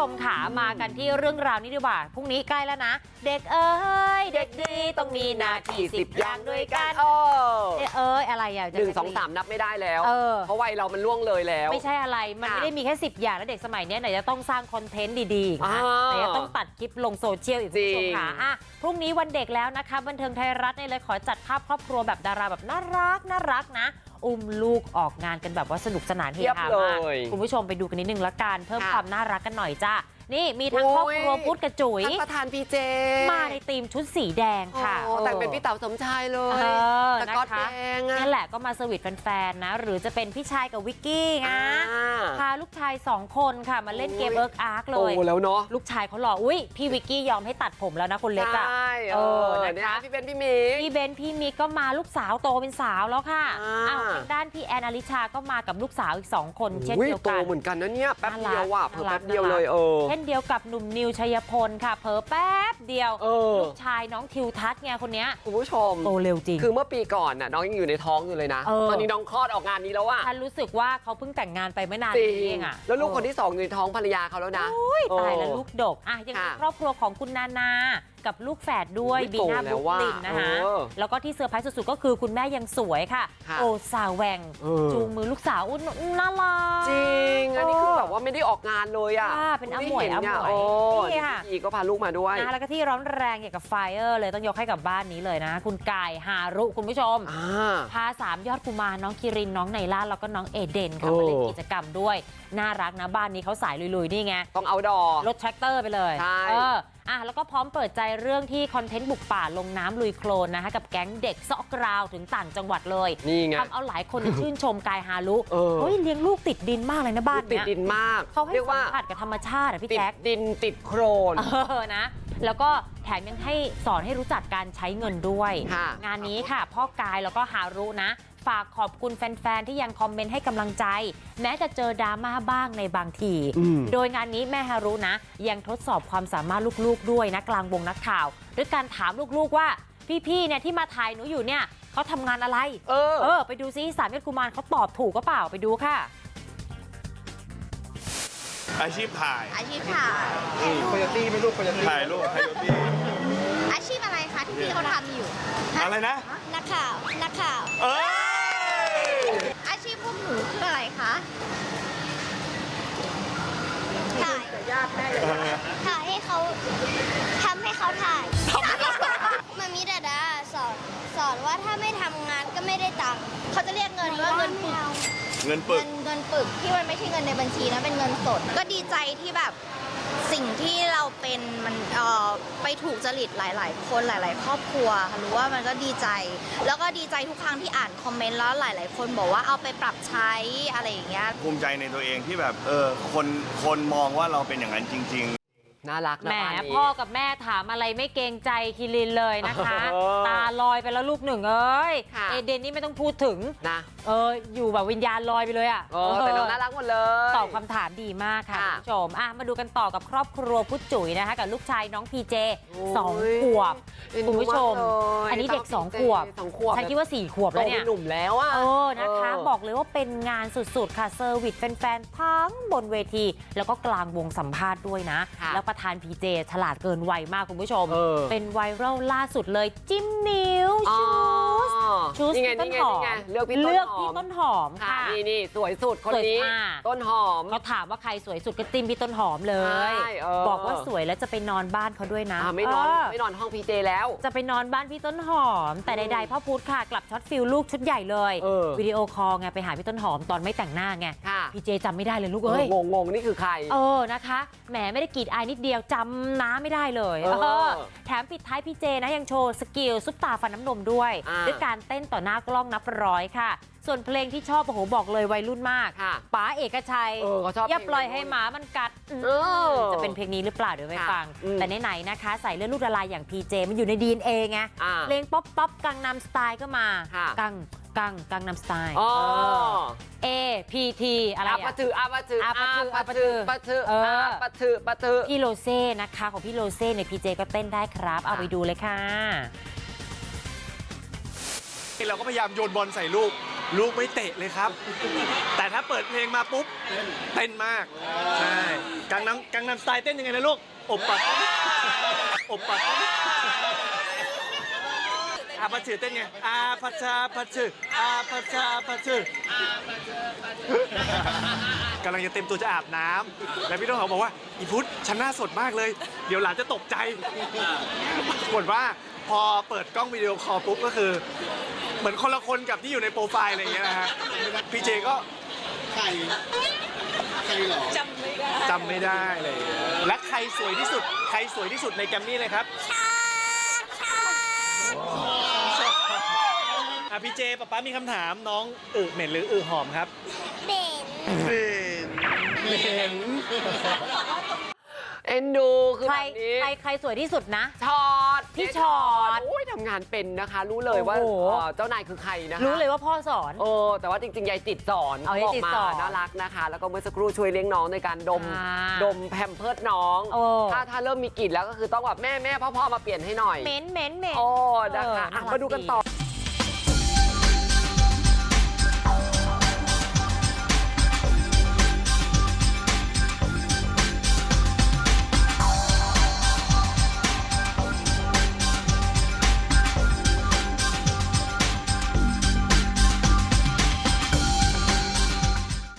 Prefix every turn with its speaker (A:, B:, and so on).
A: มค่ะมากันที่เรื่องราวนี้ดีกว่าพรุ่งนี้ใกล้แล้วนะเด็กเอ้ยเด็กดีต้องมีหน้าที่10 อย่างด้วยกันอะไรอ่ะ
B: 1 2 3นับไม่ได้แล้วเพราะวัยเรามันล่วงเลยแล้ว
A: ไม่ใช่อะไรมันไม่ได้มีแค่10 อย่างแล้วเด็กสมัยนี้ไหนจะต้องสร้างคอนเทนต์ดีๆนะไหนจะต้องตัดคลิปลงโซเชียลอีกคุณผู้ชมค่ะพรุ่งนี้วันเด็กแล้วนะคะบันเทิงไทยรัฐเลยขอจัดภาพครอบครัวแบบดาราแบบน่ารักนะอุ้มลูกออกงานกันแบบว่าสนุกสนานเฮฮามากคุณผู้ชมไปดูกันนิดนึงละกันเพิ่มความน่ารักกันหน่อยจ้านี่มีทั้งครอบครัวพุทธกับจุ๋ย
B: ประธานพีเจ
A: มาในธีมชุดสีแดงค่ะ
B: แต่งเป็นพี่เต๋าสมชายเลยสก๊อตแดง
A: นี่แหละก็มาสวีทแฟนๆนะหรือจะเป็นพี่ชายกับวิกกี้นะพาลูกชาย2 คนค่ะมาเล่นเกมเอิร์กอาร์กเลย
B: โอ้แล้วเนาะ
A: ลูกชายเขาหล่ออุ้ยพี่วิกกี้ยอมให้ตัดผมแล้วนะคนเล็กอ่ะ
B: นะคะพี่เบนพี่มิก
A: พี่มิกก็มาลูกสาวโตเป็นสาวแล้วค่ะทางด้านพี่แอนอลิชาก็มากับลูกสาวอีก2 คนเช่นเดียวกัน
B: โตเหมือนกันนะเนี่ยแป๊บเดียวว่ะเพิ่มแป๊บเดียวเลย
A: เช่นเดียวกับหนุ่มนิวชัยพลค่ะเผลอแป๊บเดียวลูกชายน้องทิวทัศน์ไงคนเนี้ย
B: คุณผู้ชม
A: โตเร็วจริง
B: คือเมื่อปีก่อนน่ะน้องยังอยู่ในท้องอยู่เลยนะตอนนี้น้องคลอดออกงานนี้แล้วอ่ะ
A: ฉันรู้สึกว่าเขาเพิ่งแต่งงานไปไม่นานนี้เองอ่ะ
B: แล้วลูกคนที่2อยู่ในท้องภรรยาเขาแล้วนะ
A: ตายแล้วลูกดกยังมีครอบครัวของคุณนานากับลูกแฝดด้วยบีน่าบุ๊กลินนะคะแล้วก็ที่เซอร์ไพรส์สุดๆก็คือคุณแม่ยังสวยค่ะโอซาแวงจูงมือลูกสาวน่ารัก
B: จริงอันนี้คือแบบว่าไม่ได้ออกงานเลยอ่ะ
A: เป็นอมวย
B: นี่ค่ะพี่ก็พาลูกมาด้วย
A: แล้วก็ที่ร้อนแรงเกี่ยวกับไฟเลยต้องยกให้กับบ้านนี้เลยนะคุณกายฮารุคุณผู้ชมพา3 ยอดกุมารน้องคิรินน้องไนล่าแล้วก็น้องเอเดนค่ะมาเล่นกิจกรรมด้วยน่ารักนะบ้านนี้เขาสายลุยๆนี่ไง
B: ต้องเอาดอ
A: รถแทรกเตอร์ไปเลย
B: ใช่
A: แล้วก็พร้อมเปิดใจเรื่องที่คอนเทนต์บุกป่าลงน้ำลุยโคลนนะคะกับแก๊งเด็กซอกกราวถึงต่างจังหวัดเลย
B: นี่ไง
A: ทำเอาหลายคนชื่นชมกายฮารุเฮ้ยเลี้ยงลูกติดดินมากเลยนะบ้าน
B: ติดดินมาก
A: เขาให้สัมผัสกับธรรมชาติพี่แจ๊ค
B: ติดดินติดโคลน
A: นะแล้วก็แถมยังให้สอนให้รู้จักการใช้เงินด้วยงานนี้ค่ะพ่อกายแล้วก็ฮารุนะฝากขอบคุณแฟนๆที่ยังคอมเมนต์ให้กำลังใจแม้จะเจอดราม่าบ้างในบางทีโดยงานนี้แม่ฮารุนะยังทดสอบความสามารถลูกๆด้วยนะกลางวงนักข่าวด้วยการถามลูกๆว่าพี่ๆเนี่ยที่มาถ่ายหนูอยู่เนี่ยเขาทำงานอะไรไปดูซิ3 ยอดกุมารเขาตอบถูกก็เปล่าไปดูค่ะ
C: อาชีพถ่าย
D: โคโยตี้ไม่ลูกโคโยตี้
C: ถ่ายรูปโคโยตี้
E: อาชีพอะไรคะที่พี่เขาทำอยู่
C: อะไรนะ
E: นักข่าวอาชีพพวกหนูคืออะไรคะถ่ายให้เขาทำให้เขาถ่ายมามิดาดาสอนว่าถ้าไม่ทำงานก็ไม่ได้ตังค์เขาจะเรียกเงินว่าเงินปึกที่มันไม่ใช่เงินในบัญชีนะเป็นเงินสดก็ดีใจที่แบบสิ่งที่เราเป็นมันไปถูกจริตหลายๆคนหลายๆครอบครัวรู้ว่ามันก็ดีใจแล้วก็ดีใจทุกครั้งที่อ่านคอมเมนต์แล้วหลายๆคนบอกว่าเอาไปปรับใช้อะไรอย่างเงี้ย
C: ภูมิใจในตัวเองที่แบบคนมองว่าเราเป็นอย่างนั้นจริงๆ
B: น่ารักนะ
A: แหมพ่อกับแม่ถามอะไรไม่เกรงใจคิรินเลยนะคะตาลอยไปแล้วลูกหนึ่งเอเดนนี่ไม่ต้องพูดถึง
B: นะ
A: อยู่แบบวิญญาณลอยไปเลย
B: แต่น้องน่ารักหมดเลย
A: ตอบคำถามดีมากค่ะคุณผู้ชมมาดูกันต่อกับครอบครัวพุทธจุ๋ยนะคะกับลูกชายน้องพีเจ2 ขวบคุณผู้ชมอันนี้เด็ก2 ขวบใช้คิดว่า4 ขวบแล้วเนี่ย
B: หนุ่มแล้ว
A: นะคะบอกเลยว่าเป็นงานสุดๆค่ะเซอร์วิสแฟนๆทั้งบนเวทีแล้วก็กลางวงสัมภาษณ์ด้วยนะแล้วประธานพีเจฉลาดเกินวัยมากคุณผู้ชมเป็นไวรัลล่าสุดเลยจิ้มนิ้วชูสพี่ต้นหอมเลือกพี่ต้นหอมค่ะ
B: นี่สวยสุดคนนี้ต้นหอม
A: เขาถามว่าใครสวยสุดก็จิ้มพี่ต้นหอมเลยบอกว่าสวยแล้วจะไปนอนบ้านเขาด้วยนะ
B: ไม่นอนห้องพีเจแล้ว
A: จะไปนอนบ้านพี่ต้นหอมแต่ใดๆพ่อพุธค่ะกลับช็อตฟิลลูกชุดใหญ่เลยวิดีโอคอลไงไปหาพี่ต้นหอมตอนไม่แต่งหน้าไงพีเจจำไม่ได้เลยลูก
B: งงนี่คือใคร
A: นะคะแหมไม่ได้กรีดอายนิดเดียวจำน้าไม่ได้เลยแถมปิดท้ายพี่เจนะยังโชว์สกิลซุปตาฟันน้ำนมด้วยการเต้นต่อหน้ากล้องนับร้อยค่ะส่วนเพลงที่ชอบโอ้โหบอกเลยวัยรุ่นมากป๋าเอกชัยอย่าปล่อยให้หมามันกัดจะเป็นเพลงนี้หรือเปล่าเดี๋ยวไปฟังแต่ไหนๆนะคะใส่เลือดลูกละลายอย่างพีเจมันอยู่ใน DNA ไงเพลงป๊อปกังนำสไตล์ก็มากังนำสไตล์APT อะไร
B: ปะถือ
A: พี่โรเซ่นะคะของพี่โรเซ่เนี่ยพีเจก็เต้นได้ครับเอาไปดูเลยค่ะ
C: เราก็พยายามโยนบอลใส่ลูก
F: ลูกไม่เตะเลยครับ แต่ถ้าเปิดเพลงมาปุ๊บเต้นมากใช่กังนำสไตล์เต้นยังไงนะลูกอบปับอบปับอาพัชชือเต้นไงอาพัชชาพัชชืออาพัชชาพัชชือกำลังจะเต็มตัวจะอาบน้ำแล้วพี่ต้นหอมบอกว่าอีพุทธฉันหน้าสดมากเลย เดี๋ยวหลานจะตกใจปรากฏว่าพอเปิดกล้องวิดีโอคอลปุ๊บก็คือ เหมือนคนละคนกับที่อยู่ในโปรไฟล์อะไรอย่างเงี้ยนะฮะพี่เจก็ใครหรอจำไม่ได้เลยและใครสวยที่สุดในแกรมมี่เลยครับพี่เจป๊ามีคำถามน้องเหม็นหรือหอมครับเหม็น
B: เอ็นดูคือ
A: ใคร
B: แบบนี้
A: ใครสวยที่สุดนะ
B: ชอต
A: พี่ชอต
B: โอ้ยทำงานเป็นนะคะ รู้เลยว่า
A: โอ้โห
B: เจ้านายคือใครนะคะ
A: รู้เลยว่าพ่อสอน
B: แต่ว่าจริงๆยายจิตสอน
A: เอายายจิตสอน
B: น่ารักนะคะ แล้วก็เมื่อสักครู่ช่วยเลี้ยงน้องในการดม
A: อ่า
B: ดมแพมเพิร์สน้อง
A: โอ้
B: ถ้าเริ่มมีกลิ่นแล้วก็คือต้องแบบแม่พ่อมาเปลี่ยนให้หน่อย
A: เหม็น
B: โอ้นะคะ
A: น่ารัก
B: มาดูกันต่อ
A: ดี